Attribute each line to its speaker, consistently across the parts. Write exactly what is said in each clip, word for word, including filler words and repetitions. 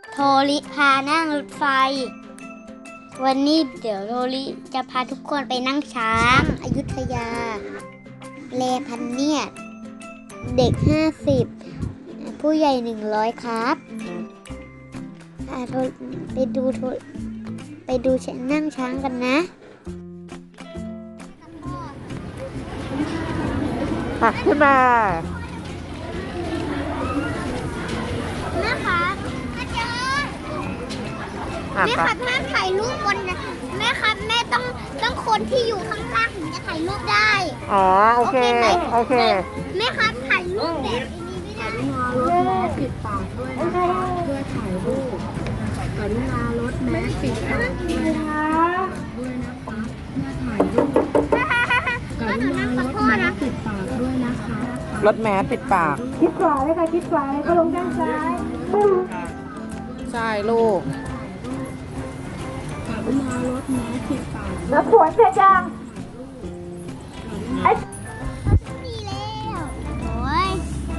Speaker 1: โทริพานั่งรถไฟวันนี้เดี๋ยวโทริจะพาทุกคนไปนั่งช้างอยุธยาเลพันเนียดเด็กห้าสิบผู้ใหญ่หนึ่งร้อยครับไปดูไปดูนั่งช้างกันนะ
Speaker 2: ปักขึ้นมา
Speaker 1: แม่คะอาจารย์แม่ครับแม่ถ่ายรูปบนแม่ครับแม่ต้องต้องคนที่อยู่ข้างล่างถึงจะถ่ายรูปได้
Speaker 2: อ๋อโอเคโอเค
Speaker 1: แม่ครับถ่ายรูปแบบนี้ไม่ได้
Speaker 3: รถแมสปิดปากด้วยนะคะเพื่อถ่ายรูปกรุณารถแมสปิดปากด้วยนะคะด้วยนะคะเพื่อถ่ายรูปกรุณารถแมสปิดปากด้วยนะคะ
Speaker 2: รถแมสปิดปาก
Speaker 3: คิดขวาเลยค่ะคิดขวาเลยก็ลงด้านซ้าย
Speaker 2: ใช่ลูก
Speaker 3: กรุณารถแมสปิดปาก
Speaker 1: แล้วขวดเสร็จยังไอ้ดีแล้วโอ้ย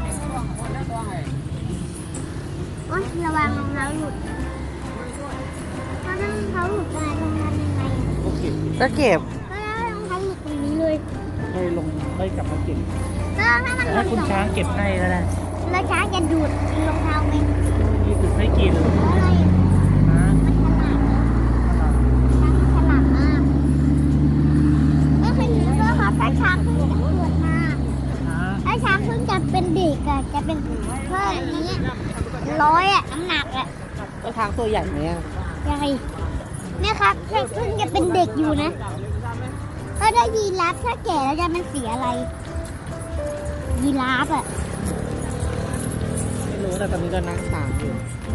Speaker 1: โอ๊ยระวังรองเท้าหลุดถ้ารองเท้าหลุดมาลงทำยังไง
Speaker 2: ก็เก็บ
Speaker 1: ก็แล้วรองเท้าหลุดตรงนี้เลย
Speaker 4: ไม่ลงไม่กลับมาเก็บ
Speaker 1: ก็ถ้ามันหลุ
Speaker 4: ถ้า
Speaker 1: ด
Speaker 4: คุณช้างเก็บให้แล้วนะ
Speaker 1: แล้วช้างจะดูดรองเท้าไหม
Speaker 4: นี่คือให้กิน
Speaker 1: อะไรมันฉลาดช้างฉลาดมากก็คือก็ครับถ้าช้างเพิ่งจะเกิดมาถ้าช้างเพิ่งจะเป็นเด็กอะจะเป็นเท่านี้ร้อยอะน้ำหนักอะ
Speaker 2: ก็ช้างตัวใหญ่ไหมอ่ะ
Speaker 1: ใหญ่แม่ครับเพิ่งจะเป็นเด็กอยู่นะถ้าได้ยีราฟถ้าแก่แล้วจะมันเสียอะไรยีราฟอะ
Speaker 2: ไม่รู้แต่ตอนนี้ก็นั่งช้างอยู่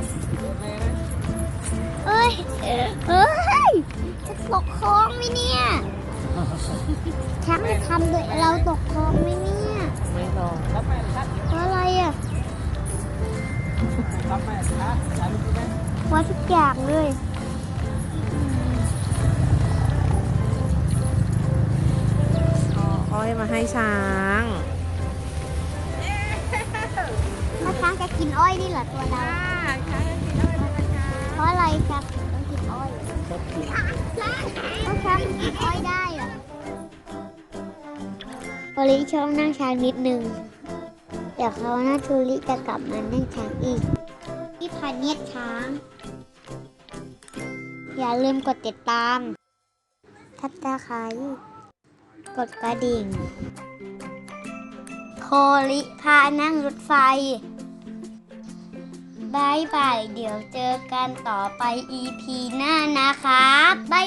Speaker 1: เอ้ยเอ้ยจะตกคลองไหมเนี่ยช้างจะทำเลยเราตกคลองไหมเนี่ย
Speaker 2: ไม่รอ
Speaker 1: เพราะอะไรอ่ะว่าทุกอย่างเลย
Speaker 2: อ้อยมาให้ช้าง
Speaker 1: ถ้าช้างจะกินอ้อยนี่เหรอตัวเราเพราะอะไรครับต้องกินอ้อยเพราะช้างกินอ้อยได้เหรอโอลิชอบนั่งช้างนิดนึงเดี๋ยวเขาหน้าทูริจะกลับมานั่งช้างอีกที่พาเนียดช้างอย่าลืมกดติดตามทับตาไคร้กดกระดิ่งโคลิพานั่งรถไฟบายบายเดี๋ยวเจอกันต่อไป อี พี หน้านะครับบาย